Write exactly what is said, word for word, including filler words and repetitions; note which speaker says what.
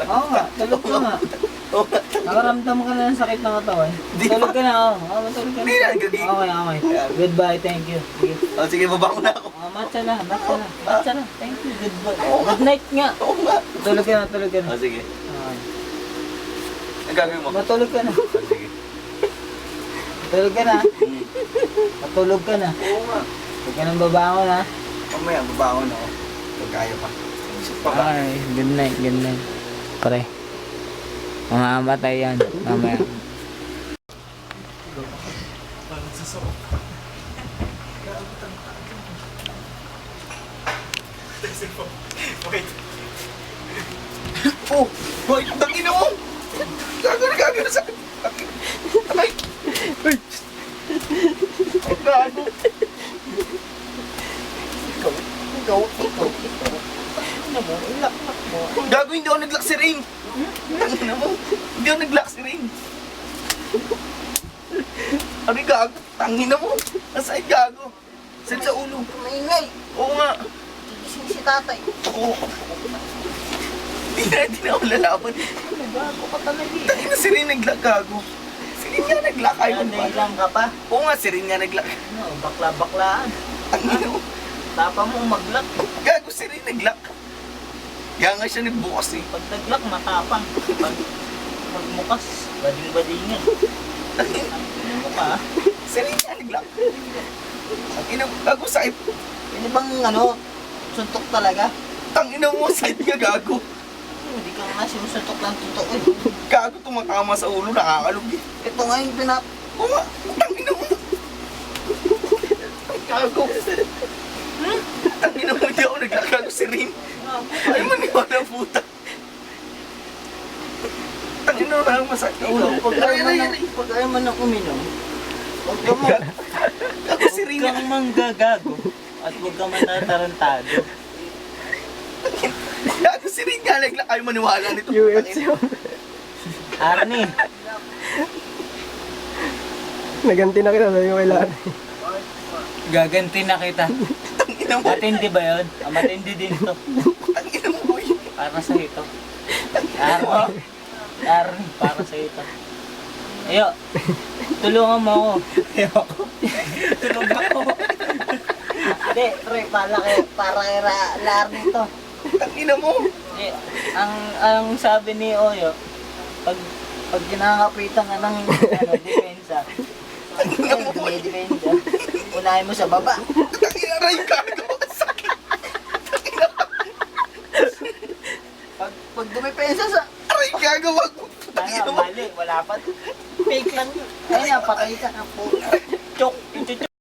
Speaker 1: Oo nga, tulog ka nga.
Speaker 2: Oo nga.
Speaker 1: Nakaramdam ka na ng sakit ng katawan. Tulog ka na, oo. Oo, matulog ka na.
Speaker 2: Hindi na, gabi.
Speaker 1: Okay, okay. Goodbye, thank you. Sige.
Speaker 2: Oh, sige, baba ko na ako.
Speaker 1: Oh, matcha na, matcha na. Matcha na. Thank you, goodbye.
Speaker 2: Oo nga.
Speaker 1: Good night nga.
Speaker 2: Oo nga.
Speaker 1: Tulog ka na, tulog ka na.
Speaker 2: Oh, sige.
Speaker 1: Okay.
Speaker 2: Ang gagawin mo?
Speaker 1: Matulog ka na.
Speaker 2: Oh, sige.
Speaker 1: Matulog ka na.
Speaker 2: Hmm.
Speaker 1: Matulog ka na.
Speaker 2: Oo nga.
Speaker 1: Huwag ka nang babangon ha.
Speaker 2: Mamaya, babangon ako. Pag kaya pa. Isip pa ba?
Speaker 1: Okay, good night, good night. Pare. Mamamatay yan. Mamaya.
Speaker 2: Wait. Oh! Boy, tangin mo! Gago na gago na sa akin. Aray! Ay! Ang gago! Ikaw, ikaw, ikaw, ikaw.
Speaker 1: Ano mo? Ilak-lak mo.
Speaker 2: Gago, hindi ako nag-lock si Rain. Tangin mo. Hindi ako nag-lock si Rain. Aray gago, tangin mo. Nasaan gago? Saan sa ulo?
Speaker 1: Maingay.
Speaker 2: Oo nga.
Speaker 1: Gising si tatay.
Speaker 2: Oo. Hindi na, hindi na ako lalaban.
Speaker 1: Ano gago ka talaga eh.
Speaker 2: Tangin na si Rain nag-lock gago. Si Rain nga nag-lock. Ayaw
Speaker 1: Ano,
Speaker 2: mo ba?
Speaker 1: lang ka pa?
Speaker 2: Oo nga, si Rain nga nag-lock.
Speaker 1: Ano, bakla-baklaan.
Speaker 2: Tangin mo.
Speaker 1: Tapa mo mag-lock.
Speaker 2: Gago si Rain nag-lock. Kaya nga siya nagbukas eh.
Speaker 1: Pag nag-lock, matapang. Pag magmukas, bading-badingan.
Speaker 2: Tangin.
Speaker 1: Ano mo ka?
Speaker 2: Si Rain nga nag-lock. Tangin mo. Gago sa'yo.
Speaker 1: Hindi bang ano, suntok talaga?
Speaker 2: Tangin mo. Side nga gago.
Speaker 1: Hindi ka nga sinusuntok lang totoo eh.
Speaker 2: Gago tumatama sa ulo. Nakakalog eh.
Speaker 1: Ito nga yung pinap...
Speaker 2: Oo nga. Tangin mo. Gago. Tangin mo. Hindi ako nag-lock. Gago si Rain. Ay, maniwala puta. Tangin mo. Parang masakit.
Speaker 1: Ulo, pag
Speaker 2: Aray,
Speaker 1: ayaw man
Speaker 2: aray,
Speaker 1: ng,
Speaker 2: aray.
Speaker 1: pag ayaw man ng uminom, huwag ka mo,
Speaker 2: Gago si Rain
Speaker 1: huwag
Speaker 2: nga.
Speaker 1: kang manggagago at huwag ka matatarantado.
Speaker 2: Gago si Rain nga. Nag-lock. Ayaw maniwala nito.
Speaker 3: U F C.
Speaker 1: Arnie,
Speaker 3: Naganti na kita sabi ko kay Larry.
Speaker 1: gaganti na kita.
Speaker 2: Tangin mo.
Speaker 1: Matindi ba yun? Ah, matindi din to.
Speaker 2: Tangin mo boy.
Speaker 1: Para sa ito. Arnie, Arnie, para sa ito. Ayo, tulungan mo ako. Ayoko. Tulog ako. Hindi, pre, para kay, para kay Ra- Larnie to.
Speaker 2: Tangin mo.
Speaker 1: Eh, ang ang sabi ni Oyo, pag pag kinakapitan ka ng ano, depensa,
Speaker 2: Tangin mo boy.
Speaker 1: dumidepensa, unahin mo sa baba.
Speaker 2: Tangin aray gago. Sakit.
Speaker 1: Pag pag dumipensa sa
Speaker 2: Aray gago. Wag mo. Tangin
Speaker 1: ano,
Speaker 2: mo.
Speaker 1: mali, wala pa. Fake lang yun. Ayun na, patay ka na po. Chok, yung chuchok.